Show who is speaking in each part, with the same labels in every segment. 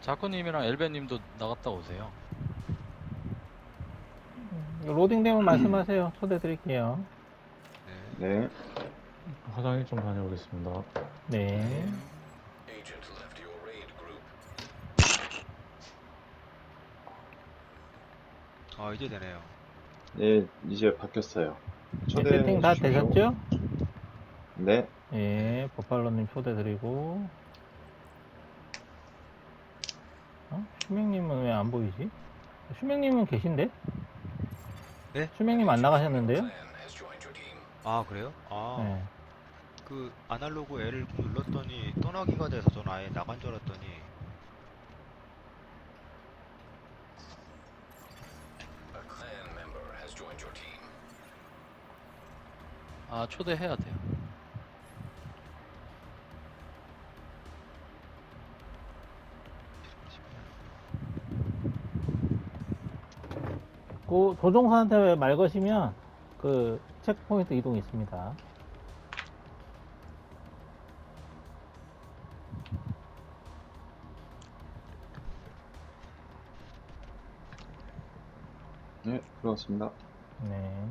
Speaker 1: 자쿠님이랑 엘베님도 나갔다 오세요.
Speaker 2: 로딩되면 말씀하세요. 초대 드릴게요.
Speaker 1: 네.
Speaker 3: 네.
Speaker 4: 화장실 좀 다녀오겠습니다.
Speaker 2: 네.
Speaker 5: 이제 되네요.
Speaker 3: 네, 이제 바뀌었어요.
Speaker 2: 네,
Speaker 3: 초대해
Speaker 2: 세팅 다
Speaker 3: 주십시오.
Speaker 2: 되셨죠?
Speaker 3: 네.
Speaker 2: 예, 버팔로님 초대 드리고. 슈맹님은 왜 안 보이지? 슈맹님은 계신데?
Speaker 5: 네?
Speaker 2: 슈맹님 안 나가셨는데요?
Speaker 5: 아, 그래요?
Speaker 2: 네.
Speaker 5: 그 아날로그 L을 눌렀더니 떠나기가 돼서 전 아예 나간 줄 알았더니
Speaker 1: 아, 초대해야 돼요.
Speaker 2: 그 조종사한테 말 거시면 그 체크포인트 이동 있습니다.
Speaker 3: 네, 들어왔습니다.
Speaker 2: 네.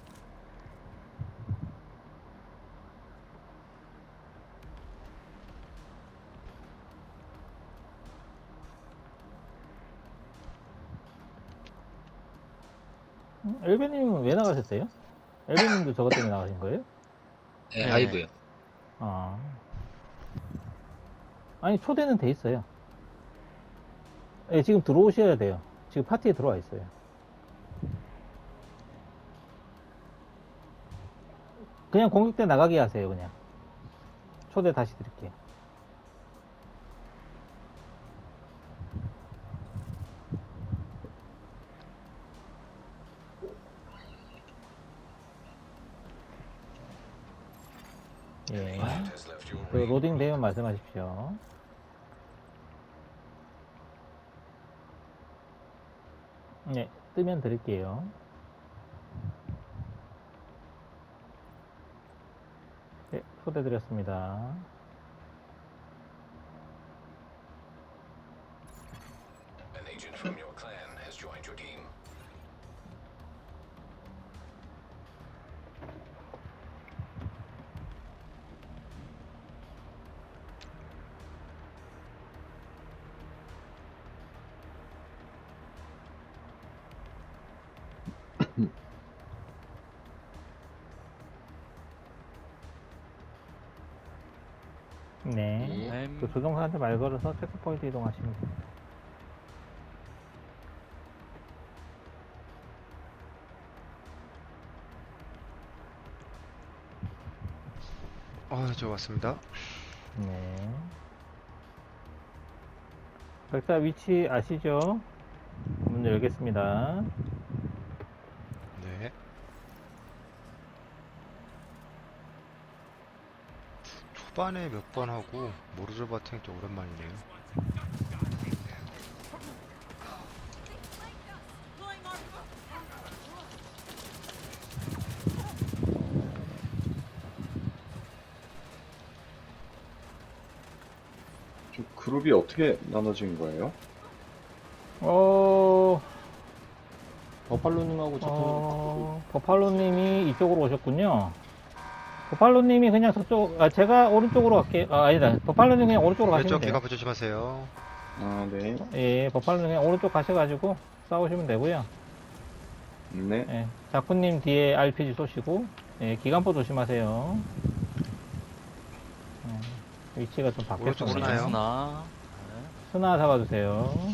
Speaker 2: 엘베님은 왜 나가셨어요? 엘베님도 저것 때문에 나가신 거예요?
Speaker 6: 네,
Speaker 1: 네.
Speaker 6: 아이고요.
Speaker 2: 아. 아니, 초대는 돼 있어요. 예, 지금 들어오셔야 돼요. 지금 파티에 들어와 있어요. 그냥 공격 때 나가게 하세요, 그냥. 초대 다시 드릴게요. 예. 그 로딩 되면 말씀하십시오. 네, 뜨면 드릴게요. 네, 초대 드렸습니다. 네.
Speaker 1: 네.
Speaker 2: 그 조종사한테 말 걸어서 체크포인트 이동하시면 돼요.
Speaker 5: 저 왔습니다.
Speaker 2: 네. 백사 위치 아시죠? 문 열겠습니다.
Speaker 5: 네. 초반에 몇 번 하고 모르르 바탱 좀 오랜만이네요.
Speaker 3: 좀 그룹이 어떻게 나눠진 거예요?
Speaker 4: 버팔로님하고
Speaker 2: 버팔로님이 이쪽으로 오셨군요. 버팔로님이 그냥 저쪽, 제가 오른쪽으로 갈게요. 아니다. 버팔로님 그냥 오른쪽으로 가시면
Speaker 5: 왼쪽
Speaker 2: 돼요.
Speaker 5: 기갑 조심하세요.
Speaker 3: 아, 네.
Speaker 2: 예, 버팔로님 그냥 오른쪽 가셔가지고 싸우시면 되고요.
Speaker 3: 네.
Speaker 2: 예, 자쿠님 뒤에 RPG 쏘시고, 예, 기관포 조심하세요. 위치가 좀
Speaker 5: 오른쪽
Speaker 2: 바뀌었습니다.
Speaker 5: 쓰나요?
Speaker 1: 스나.
Speaker 2: 스나 잡아주세요.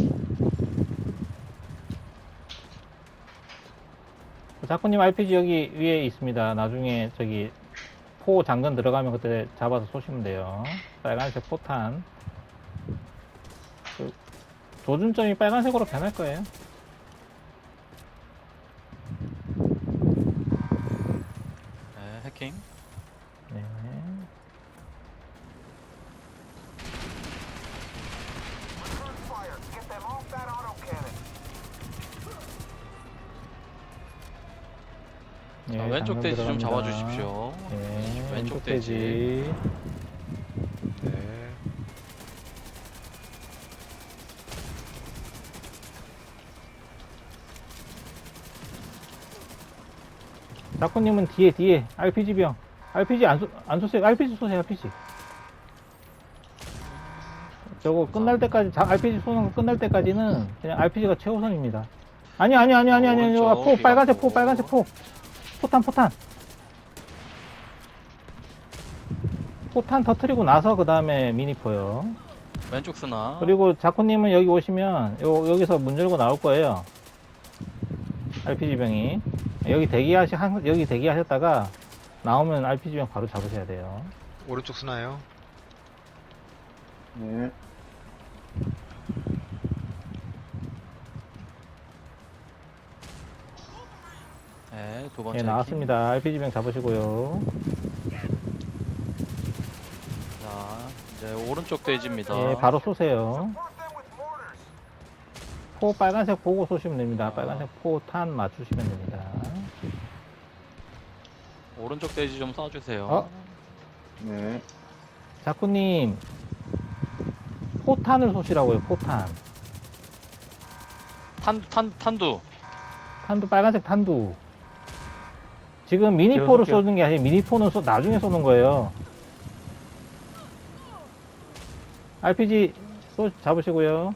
Speaker 2: 자쿠님 RPG 여기 위에 있습니다. 나중에 저기 포 장전 들어가면 그때 잡아서 쏘시면 돼요. 빨간색 포탄. 그 조준점이 빨간색으로 변할 거예요.
Speaker 1: 네, 해킹.
Speaker 2: 네. 예,
Speaker 1: 왼쪽
Speaker 2: 장전
Speaker 1: 돼지 좀
Speaker 2: 들어갑니다.
Speaker 1: 잡아주십시오.
Speaker 2: 예,
Speaker 1: 왼쪽 돼지.
Speaker 5: 네.
Speaker 2: 자꾸님은 뒤에 RPG 병. RPG 안 쏘세요. RPG 쏘세요. RPG. 저거 끝날 때까지 RPG 쏘는 거 끝날 때까지는 그냥 RPG가 최우선입니다. 아니
Speaker 1: 오른쪽,
Speaker 2: 포 빨간색 포
Speaker 1: 기갑포.
Speaker 2: 빨간색 포. 포탄 터트리고 나서 그 다음에 미니포요.
Speaker 1: 왼쪽 스나.
Speaker 2: 그리고 자쿠님은 여기 오시면 여기서 문 열고 나올 거예요. RPG 병이 여기 대기하셨다가 나오면 RPG 병 바로 잡으셔야 돼요.
Speaker 5: 오른쪽 쓰나요?
Speaker 3: 네.
Speaker 1: 네, 두 번째
Speaker 2: 예,
Speaker 1: 해킹.
Speaker 2: 나왔습니다. RPG 병 잡으시고요.
Speaker 1: 자, 이제 오른쪽 돼지입니다.
Speaker 2: 예, 바로 쏘세요. 포 빨간색 보고 쏘시면 됩니다. 빨간색 포탄 맞추시면 됩니다.
Speaker 1: 오른쪽 돼지 좀 쏴주세요.
Speaker 2: 어?
Speaker 3: 네.
Speaker 2: 자쿠님 포탄을 쏘시라고요. 포탄.
Speaker 1: 탄두.
Speaker 2: 탄두 빨간색 탄두. 지금 미니포를
Speaker 4: 쏠게요.
Speaker 2: 쏘는 게 아니라 미니포는 나중에 쏘는 거예요. RPG 잡으시고요.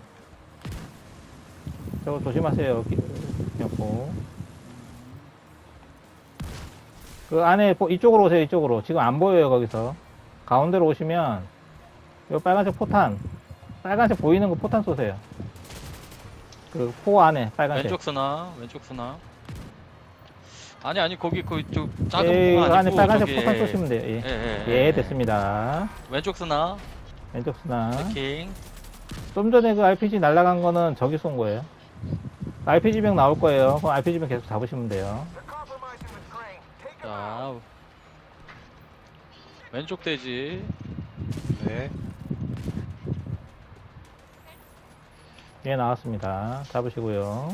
Speaker 2: 저거 조심하세요. 기념포. 그 안에 이쪽으로 오세요. 이쪽으로. 지금 안 보여요. 거기서 가운데로 오시면 요 빨간색 포탄, 빨간색 보이는 거 포탄 쏘세요. 그 포 안에 빨간색.
Speaker 1: 왼쪽 스나. 아니 거기 저 작은
Speaker 2: 예,
Speaker 1: 포가
Speaker 2: 그 안에
Speaker 1: 아니고
Speaker 2: 빨간색
Speaker 1: 저기,
Speaker 2: 포탄 쏘시면 돼요. 예. 예, 됐습니다.
Speaker 1: 왼쪽 스나.
Speaker 2: 왼쪽 스나.
Speaker 1: 해킹.
Speaker 2: 좀 전에 그 RPG 날아간 거는 저기 쏜 거예요. RPG 병 나올 거예요. 그럼 RPG 병 계속 잡으시면 돼요.
Speaker 1: 자, 왼쪽 돼지.
Speaker 5: 네.
Speaker 2: 예, 나왔습니다. 잡으시고요.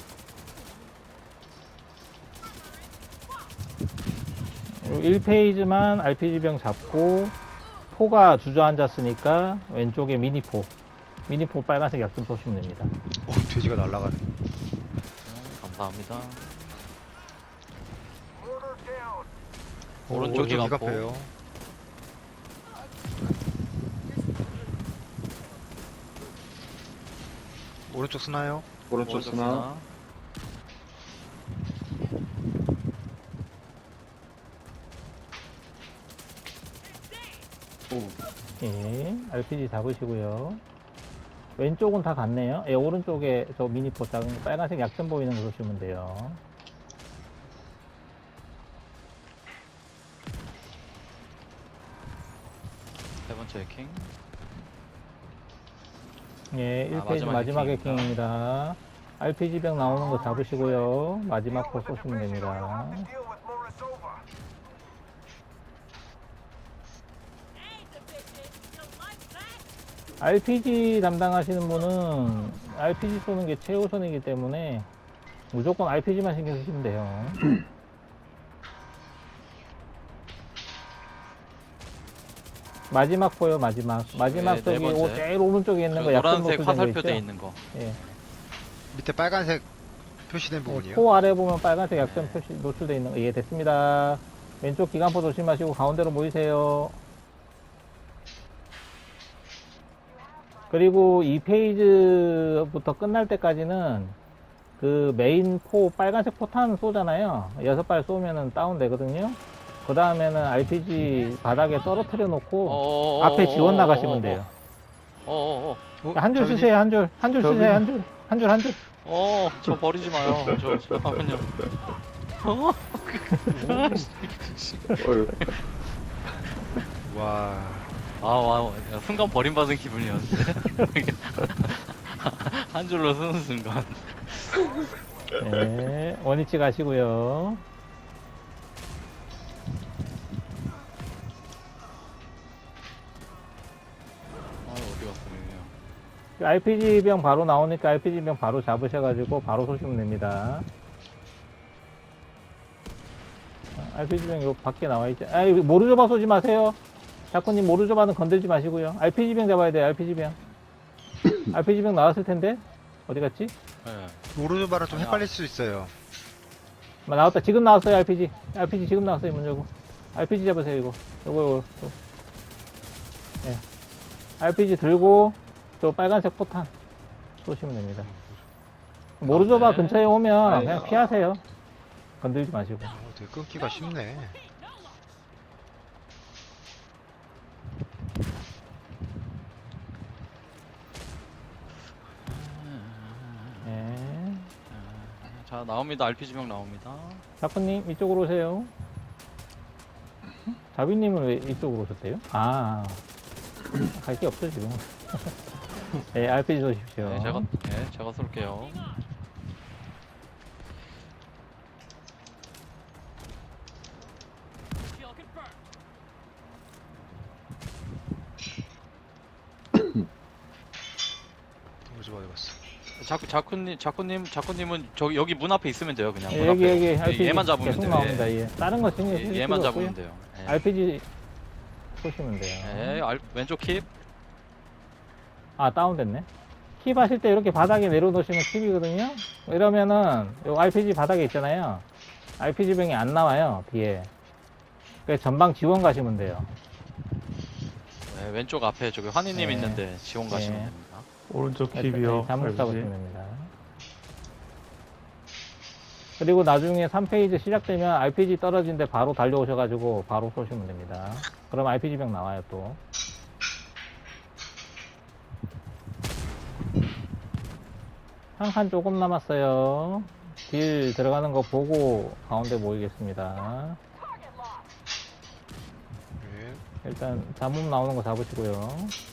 Speaker 2: 요 1페이지만 RPG 병 잡고 포가 주저앉았으니까 왼쪽에 미니포 빨간색 약점 쏘시면 됩니다.
Speaker 5: 오, 돼지가 날아가네.
Speaker 1: 감사합니다.
Speaker 5: 오른쪽
Speaker 1: 오른쪽 기갑포.
Speaker 5: 기갑해요. 오른쪽 쓰나요?
Speaker 3: 오른쪽 스나. 오.
Speaker 2: 예, RPG 잡으시고요. 왼쪽은 다 갔네요. 예, 오른쪽에 저 미니포 작은 거 빨간색 약점 보이는 거 보시면 돼요.
Speaker 1: 세 번째 해킹.
Speaker 2: 예, 1페이지
Speaker 1: 마지막
Speaker 2: 마지막
Speaker 1: 해킹입니다.
Speaker 2: 해킹입니다. RPG 병 나오는 거 잡으시고요. 마지막 포 쏘시면 됩니다. RPG 담당하시는 분은 RPG 쏘는 게 최우선이기 때문에 무조건 RPG만 신경 쓰시면 돼요. 마지막 포요, 마지막. 마지막
Speaker 1: 네,
Speaker 2: 저기
Speaker 1: 네 번째.
Speaker 2: 제일 오른쪽에 있는 거 약점
Speaker 1: 노란색
Speaker 2: 노출된 거
Speaker 1: 화살표 돼
Speaker 2: 있죠?
Speaker 1: 있는 거.
Speaker 2: 예.
Speaker 5: 밑에 빨간색 표시된 부분이요.
Speaker 2: 포 아래 보면 빨간색 약점 표시 노출되어 있는 거. 예, 됐습니다. 왼쪽 기관포 조심하시고 가운데로 모이세요. 그리고 2페이지부터 끝날 때까지는 그 메인 포 빨간색 포탄 쏘잖아요. 6발 쏘면은 다운되거든요. 그 다음에는 RPG 바닥에 떨어뜨려 놓고 앞에 지원 나가시면 돼요. 한 줄 쓰세요, 한 줄. 한 줄 쓰세요, 한 줄. 한 줄.
Speaker 1: 저 버리지 마요. 잠깐만요.
Speaker 3: 어휴.
Speaker 5: 와.
Speaker 1: 와, 순간 버림받은 기분이었는데. 한 줄로 쓰는 순간.
Speaker 2: 네, 원위치 가시고요.
Speaker 1: 어디 갔어, 이게.
Speaker 2: RPG 병 바로 나오니까 RPG 병 바로 잡으셔가지고 바로 쏘시면 됩니다. RPG 병 요 밖에 나와 있죠. 모르조바 쏘지 마세요. 자꾸님 모르조바는 건들지 마시고요. RPG 병 잡아야 돼요. RPG 병. RPG 병 나왔을 텐데 어디 갔지?
Speaker 1: 네.
Speaker 5: 오른쪽바랑 좀 헷갈릴 수 있어요.
Speaker 2: 나왔다. 지금 나왔어요, RPG. RPG 지금 나왔어요, 문 열고. RPG 잡으세요, 이거. 요거. 예. RPG 들고, 저 빨간색 포탄 쏘시면 됩니다. 모르조바
Speaker 1: 네.
Speaker 2: 근처에 오면
Speaker 3: 아이,
Speaker 2: 그냥 피하세요. 건들지 마시고.
Speaker 5: 되게 끊기가 쉽네.
Speaker 2: 예.
Speaker 1: 자, 나옵니다. RPG명 나옵니다.
Speaker 2: 자꾸님, 이쪽으로 오세요. 자비님은 왜 이쪽으로 오셨대요? 갈 게 없죠, 지금. 네, RPG 쏘십시오.
Speaker 1: 네, 제가 쏠게요.
Speaker 5: 모르죠 어디 갔어?
Speaker 1: 자꾸님은 저기 여기 문 앞에 있으면 돼요. 그냥
Speaker 2: 예,
Speaker 1: 문
Speaker 2: 여기,
Speaker 1: 앞에.
Speaker 2: 여기, RPG
Speaker 1: 얘만 잡으면
Speaker 2: 계속
Speaker 1: 돼요.
Speaker 2: 나옵니다, 예. 다른 거 신경 쓰실
Speaker 1: 얘만
Speaker 2: 필요
Speaker 1: 잡으면
Speaker 2: 없고요.
Speaker 1: 돼요. 예.
Speaker 2: RPG 쏘시면 돼요.
Speaker 1: 왼쪽 킵.
Speaker 2: 다운됐네. 킵 하실 때 이렇게 바닥에 내려놓으시면 킵이거든요. 이러면은, 요 RPG 바닥에 있잖아요. RPG 병이 안 나와요, 뒤에. 그래서 전방 지원 가시면 돼요.
Speaker 1: 네, 왼쪽 앞에 저기 환희님
Speaker 2: 네.
Speaker 1: 있는데 지원 가시면
Speaker 2: 네.
Speaker 1: 됩니다.
Speaker 4: 오른쪽
Speaker 2: 네,
Speaker 4: 킵이요.
Speaker 2: 잠을
Speaker 4: RPG.
Speaker 2: 잡으시면 됩니다. 그리고 나중에 3페이지 시작되면 RPG 떨어진데 바로 달려오셔가지고 바로 쏘시면 됩니다. 그럼 RPG 병 나와요 또. 한 칸 조금 남았어요. 딜 들어가는 거 보고 가운데 모이겠습니다.
Speaker 5: 네.
Speaker 2: 일단 잡음 나오는 거 잡으시고요.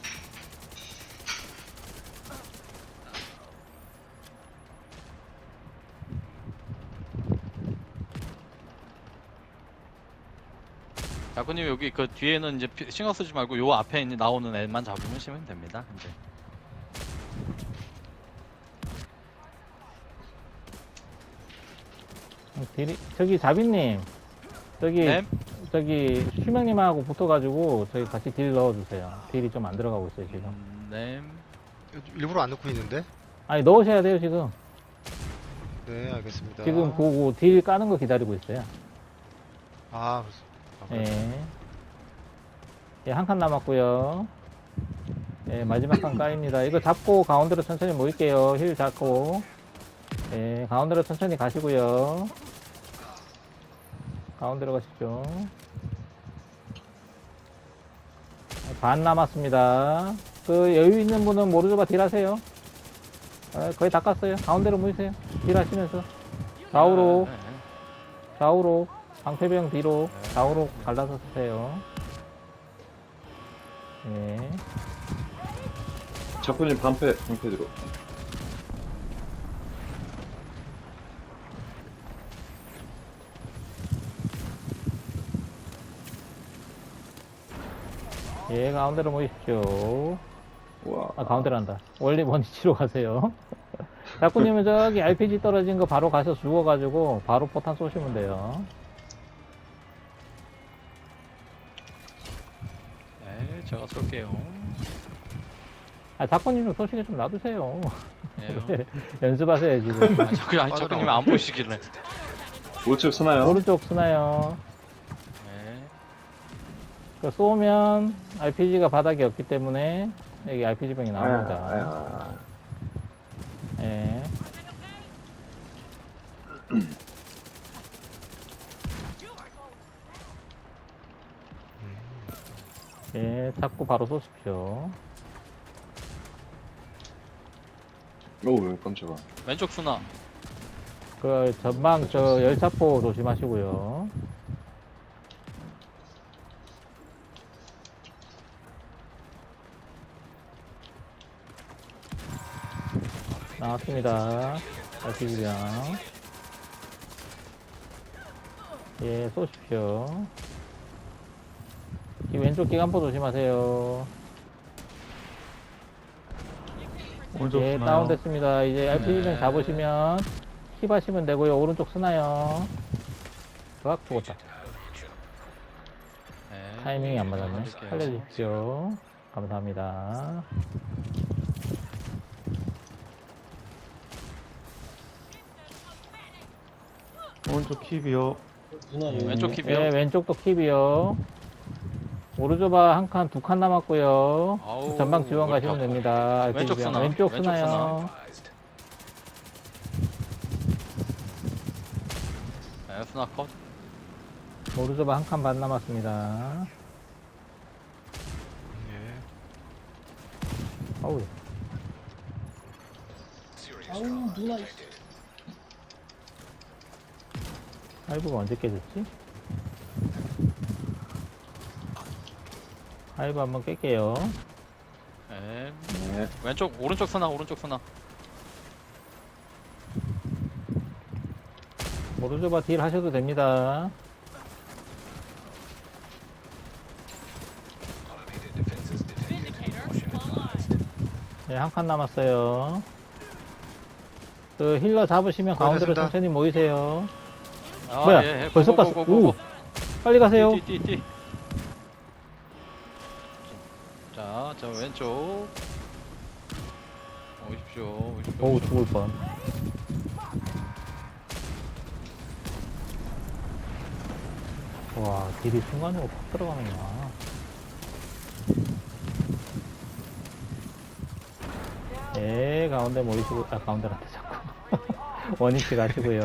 Speaker 1: 자꾸님 여기 그 뒤에는 이제 신경 쓰지 말고 요 앞에 있는 나오는 애만 잡으시면 됩니다. 이제.
Speaker 2: 저기 자비님,
Speaker 1: 네.
Speaker 2: 저기 슈명님하고 붙어가지고 저기 같이 딜 넣어주세요. 딜이 좀 안 들어가고 있어요 지금.
Speaker 1: 네.
Speaker 5: 일부러 안 넣고 있는데?
Speaker 2: 아니 넣으셔야 돼요 지금.
Speaker 5: 네, 알겠습니다.
Speaker 2: 지금 보고 딜 까는 거 기다리고 있어요.
Speaker 5: 아, 그래요?
Speaker 2: 예. 예, 한 칸 남았고요. 예, 마지막 칸 까입니다. 이거 잡고 가운데로 천천히 모일게요. 힐 잡고. 예, 가운데로 천천히 가시고요. 가운데로 가시죠. 반 남았습니다. 그 여유 있는 분은 모르조바 딜 하세요. 거의 다 깠어요. 가운데로 모이세요. 딜 하시면서. 좌우로,
Speaker 1: 네, 네.
Speaker 2: 좌우로. 방패병 뒤로, 좌우로 갈라서 쓰세요. 예.
Speaker 3: 자꾸님 방패 들어.
Speaker 2: 예, 가운데로 모이십시오.
Speaker 3: 와.
Speaker 2: 가운데로 한다. 원리 원위치로 가세요. 자꾸님은 저기 RPG 떨어진 거 바로 가서 죽어가지고 바로 포탄 쏘시면 돼요.
Speaker 1: 네, 제가 쏠게요.
Speaker 2: 자꾸님 좀 쏘시게 좀 놔두세요.
Speaker 1: 예.
Speaker 2: 연습하세요, 지금.
Speaker 1: 자꾸님 안 보이시길래.
Speaker 3: 우측 쓰나요?
Speaker 2: 오른쪽 쓰나요?
Speaker 1: 네.
Speaker 2: 그 쏘면 RPG가 바닥에 없기 때문에 여기 RPG 병이 나옵니다.
Speaker 3: 아야.
Speaker 2: 예. 예, 잡고 바로 쏘십시오.
Speaker 3: 오, 깜짝아.
Speaker 1: 왼쪽 수나.
Speaker 2: 그 전방 저 열차포 조심하시고요. 나왔습니다. RPG병. 예, 쏘십시오. 이 왼쪽 기관포 조심하세요.
Speaker 4: 오른쪽
Speaker 2: 예,
Speaker 4: 쓰나요?
Speaker 2: 다운됐습니다. 이제 RPG병
Speaker 1: 네.
Speaker 2: 잡으시면 킵 하시면 되고요. 오른쪽 쓰나요? ак 죽었다.
Speaker 1: 네.
Speaker 2: 타이밍이 안 맞았네.
Speaker 1: 살릴게요.
Speaker 2: 살려주십시오. 감사합니다.
Speaker 4: 오른쪽 킵이요.
Speaker 2: 예,
Speaker 1: 왼쪽 킵이요?
Speaker 2: 예, 왼쪽도 킵이요. 오른조바 한 칸, 두 칸 남았고요.
Speaker 1: 아우,
Speaker 2: 전방 지원
Speaker 1: 왜 이렇게
Speaker 2: 가시면
Speaker 1: 아파.
Speaker 2: 됩니다.
Speaker 1: 왼쪽
Speaker 2: RPG 방.
Speaker 1: 쓰나?
Speaker 2: 왼쪽
Speaker 1: 왼쪽
Speaker 2: 쓰나요?
Speaker 1: 네, 스나 컷.
Speaker 2: 오른조바 한 칸 반 남았습니다.
Speaker 5: 예.
Speaker 2: 아우, 하이브가 언제 깨졌지? 하이브 한번 깰게요.
Speaker 1: 네.
Speaker 3: 네.
Speaker 1: 오른쪽 스나, 오른쪽 스나.
Speaker 2: 오른조바 딜 하셔도 됩니다. 네, 한 칸 남았어요. 그 힐러 잡으시면 가운데로
Speaker 5: 됐습니다.
Speaker 2: 천천히 모이세요.
Speaker 1: 아,
Speaker 2: 뭐야?
Speaker 1: 예, 예.
Speaker 2: 벌써 갔어. 오, 빨리 가세요.
Speaker 1: 띠. 자, 왼쪽. 오십시오.
Speaker 2: 어우, 죽을 뻔. 와, 딜이 순간적으로 팍 들어가는구나. 예, 가운데 모이시고, 아, 가운데란테 자꾸. 원위치 가시고요.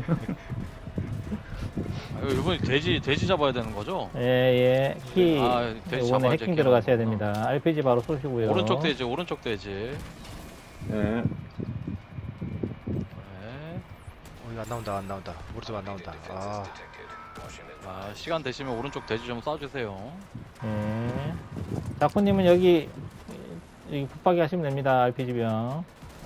Speaker 1: 이번에 돼지 잡아야 되는 거죠?
Speaker 2: 예, 예. 키,
Speaker 1: 아, 돼지
Speaker 2: 이번에
Speaker 1: 잡아야지,
Speaker 2: 해킹
Speaker 1: 걔는.
Speaker 2: 들어가셔야 됩니다. RPG 바로 쏘시고요.
Speaker 1: 오른쪽 돼지.
Speaker 3: 네.
Speaker 1: 네.
Speaker 5: 이거 안 나온다. 모르죠, 안 나온다. 아,
Speaker 1: 아, 시간 되시면 오른쪽 돼지 좀 쏴주세요.
Speaker 2: 예. 자쿠님은 여기 붙박이 하시면 됩니다. RPG병.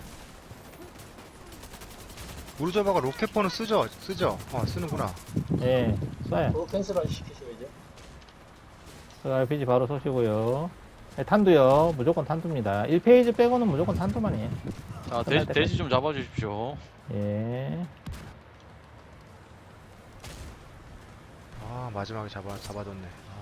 Speaker 5: 모르저바가 로켓번은 쓰죠? 쓰는구나.
Speaker 2: 예, 쏴요.
Speaker 6: 그거 캔슬 시키셔야죠.
Speaker 2: 그 RPG 바로 쏘시고요. 예, 탄두요. 무조건 탄두입니다. 1페이지 빼고는 무조건 탄두만이에요.
Speaker 1: 자,
Speaker 2: 끝날 때까지.
Speaker 1: 돼지 좀 잡아주십시오.
Speaker 2: 예.
Speaker 5: 아, 마지막에 잡아뒀네.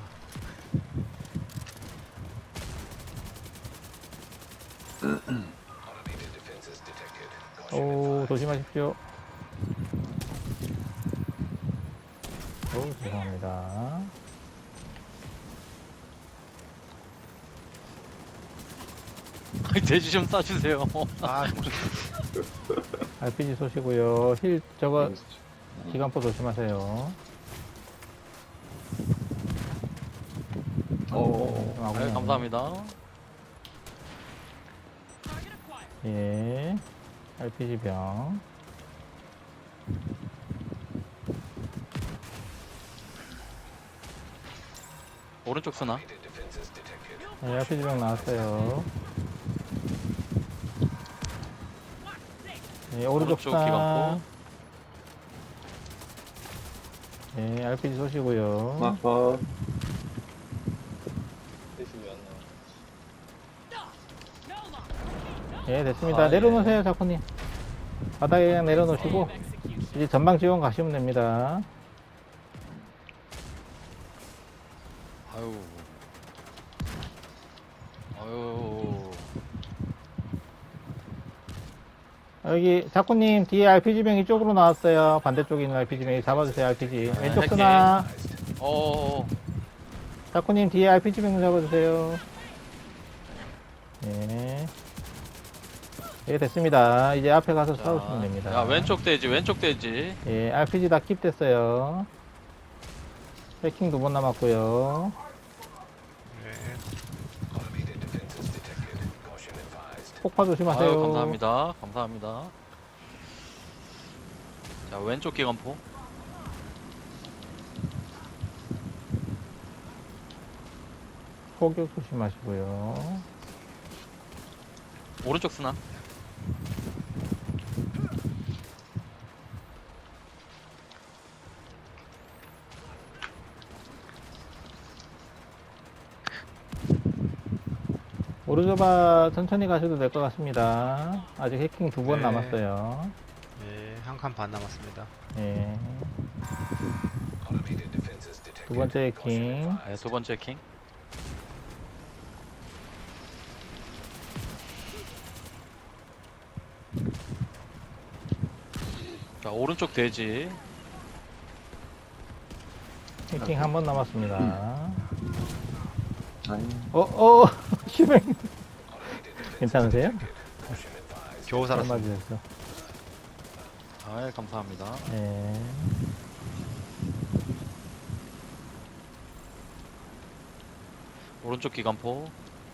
Speaker 2: 오, 조심하십시오. 오, 죄송합니다.
Speaker 1: 돼지 좀 쏴주세요.
Speaker 5: 아,
Speaker 2: RPG 쏘시고요. 힐, 저거, 기관포 조심하세요.
Speaker 3: 어.
Speaker 1: 네, 감사합니다.
Speaker 2: 예. RPG병.
Speaker 1: 오른쪽 쓰나?
Speaker 2: 예, RPG병 나왔어요. 예, 오른쪽
Speaker 1: 오른쪽
Speaker 2: 상.
Speaker 1: 기관포.
Speaker 2: 예, RPG 쏘시고요.
Speaker 3: 마커.
Speaker 6: 대신 왜안 나와?
Speaker 2: 예, 됐습니다.
Speaker 1: 아,
Speaker 2: 내려놓으세요, 자쿠님. 바닥에 그냥 내려놓으시고, 이제 전방 지원 가시면 됩니다.
Speaker 1: 아유.
Speaker 2: 여기, 자쿠님, 뒤에 RPG병 이쪽으로 나왔어요. 반대쪽에 있는 RPG병 잡아주세요, RPG. 왼쪽
Speaker 1: 해킹.
Speaker 2: 쓰나.
Speaker 1: 어.
Speaker 2: 자쿠님, 뒤에 RPG병 잡아주세요. 예. 예, 됐습니다. 이제 앞에 가서 싸우시면 됩니다.
Speaker 1: 야, 왼쪽 돼지.
Speaker 2: 예, RPG 다 킵됐어요. 해킹 2번 남았고요.
Speaker 5: 네.
Speaker 2: 폭파 조심하세요.
Speaker 1: 아유, 감사합니다. 자, 왼쪽 기관포.
Speaker 2: 포격 조심하시고요.
Speaker 1: 오른쪽 쓰나?
Speaker 2: 오르조바 천천히 가셔도 될 것 같습니다. 아직 해킹 2번
Speaker 5: 네.
Speaker 2: 남았어요.
Speaker 5: 예, 한 칸 반 남았습니다.
Speaker 2: 예. 두 번째 해킹.
Speaker 1: 네, 두 번째 킹. 자, 오른쪽 돼지.
Speaker 2: 해킹 한 번 남았습니다.
Speaker 3: 아니,
Speaker 2: 실행. 괜찮으세요?
Speaker 5: 겨우 살았어.
Speaker 2: 맞으셨어.
Speaker 1: 아, 예, 감사합니다.
Speaker 2: 예.
Speaker 1: 오른쪽 기관포.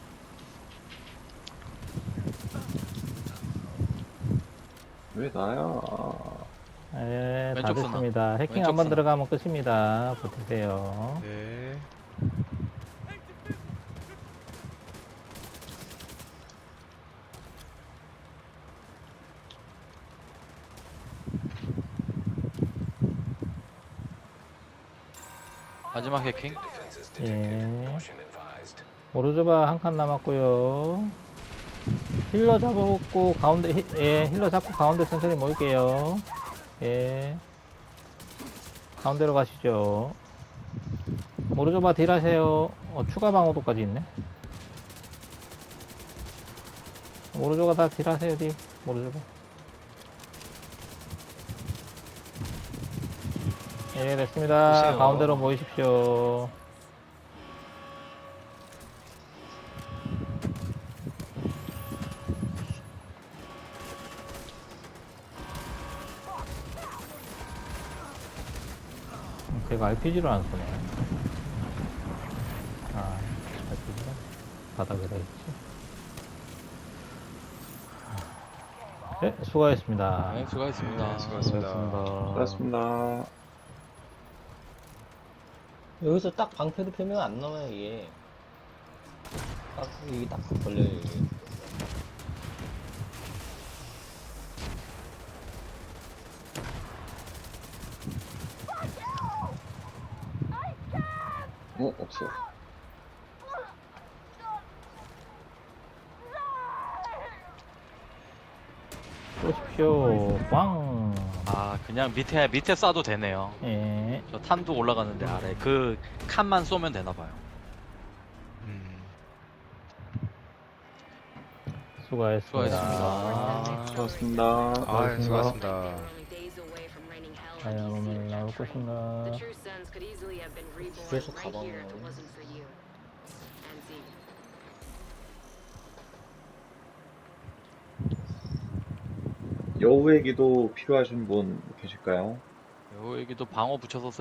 Speaker 3: 왜 나야?
Speaker 2: 예, 다
Speaker 1: 왼쪽 쓰나?
Speaker 2: 됐습니다. 해킹
Speaker 1: 왼쪽
Speaker 2: 한 번
Speaker 1: 쓰나?
Speaker 2: 들어가면 끝입니다. 버티세요.
Speaker 5: 네.
Speaker 1: 마지막 해킹.
Speaker 2: 예. 오르조바 한 칸 남았고요. 힐러 잡고 가운데 예, 힐러 잡고 가운데 천천히 모일게요. 예. 가운데로 가시죠. 오르조바 딜 하세요. 추가 방어도까지 있네. 오르조가 다 딜 하세요, 딜. 오르조바. 예, 됐습니다.
Speaker 5: 보세요.
Speaker 2: 가운데로 모이십시오. 걔가 RPG를 안 쓰네. 아, RPG가 바닥에 다 있지. 네, 수고하셨습니다.
Speaker 1: 네, 수고하셨습니다.
Speaker 5: 네, 수고하셨습니다.
Speaker 3: 고맙습니다.
Speaker 6: 여기서 딱 방패도 펴면 안 나와요, 이게. 딱, 이게 딱 걸려요, 이게.
Speaker 3: 없어.
Speaker 2: 쏘십시오. 빵.
Speaker 1: 아, 그냥 밑에 쏴도 되네요.
Speaker 2: 예.
Speaker 1: 저 탄도 올라가는데 아래 그 칸만 쏘면 되나 봐요.
Speaker 2: 수고하셨습니다.
Speaker 1: 수고하셨습니다.
Speaker 3: 고맙습니다.
Speaker 5: 아, 수고하셨습니다.
Speaker 2: 과연 오늘 나올 것인가?
Speaker 6: 계속 가방을.
Speaker 3: 여우의 기도 필요하신 분 계실까요?
Speaker 1: 여기도 방어 붙여서